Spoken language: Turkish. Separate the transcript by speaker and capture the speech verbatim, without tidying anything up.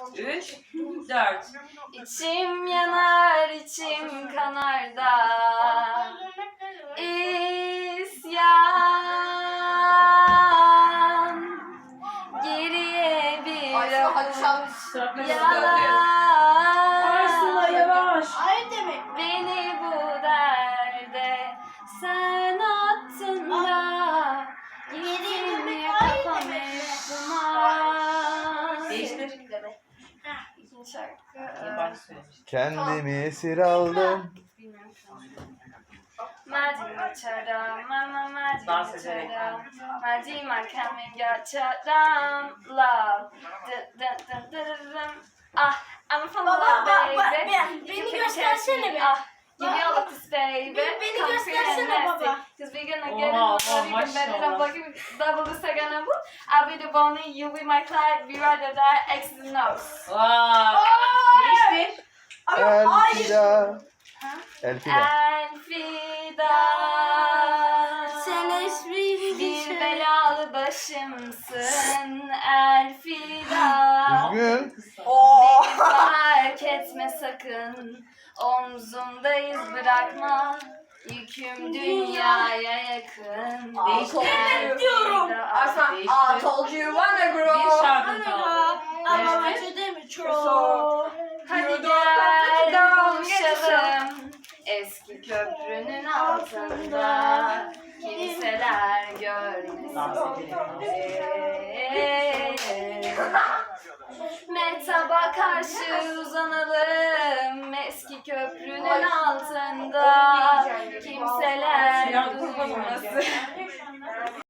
Speaker 1: Üç, dört.
Speaker 2: İçim yanar, içim kanar da isyan. Geriye bir avuç yalan.
Speaker 1: Arsula yavaş.
Speaker 3: Hayır demek.
Speaker 2: Beni bu derde sen attın da gittin ya kafam hep duman.
Speaker 1: Değiştir.
Speaker 2: İkinci şarkı.
Speaker 1: İyi baş söylemiş.
Speaker 4: Kendimi esir aldım.
Speaker 2: Bilmiyorum şu an. Madima charam, mama madima
Speaker 1: Dans ederek.
Speaker 2: charam, madima coming charam, love. Dın dın dın dın dın. Ah, I'm from
Speaker 3: Baba,
Speaker 2: love,
Speaker 3: bak,
Speaker 2: baby.
Speaker 3: bak, ben-
Speaker 2: You
Speaker 3: beni
Speaker 2: can
Speaker 3: göstersene
Speaker 2: catch me.
Speaker 3: be.
Speaker 2: Ah, give me all
Speaker 3: Baba,
Speaker 2: of this, baby.
Speaker 3: beni- beni
Speaker 2: Come
Speaker 3: göstersene
Speaker 2: free and nasty.
Speaker 3: baba.
Speaker 2: Cause we're gonna
Speaker 1: Oha,
Speaker 2: get it
Speaker 1: oha,
Speaker 2: on even better. I'm
Speaker 1: maşallah.
Speaker 2: fucking double the second and boom. I'll be the bunny, you be my Clyde, we ride or die, X's and O's.
Speaker 1: Vay. Değiştir.
Speaker 4: Elfida. Elfida.
Speaker 2: Elfida.
Speaker 3: Sen espri
Speaker 2: Bir belalı başımsın Elfida.
Speaker 4: Üzgün.
Speaker 2: Beni fark etme sakın. Omzumdayız bırakma. Yüküm dünyaya yakın.
Speaker 1: Değiştir.
Speaker 2: Elfida.
Speaker 3: diyorum.
Speaker 1: Değiştir.
Speaker 5: I told you wanna grow.
Speaker 1: Bir şarkı kaldı.
Speaker 3: Ama
Speaker 1: Değiştir.
Speaker 3: maçı değil mi? Çok.
Speaker 2: Hadi gel kavuşalım eski köprünün altında kimseler görmesin. Metaba karşı uzanalım eski köprünün altında kimseler
Speaker 1: Sinan kurban
Speaker 2: duymasın.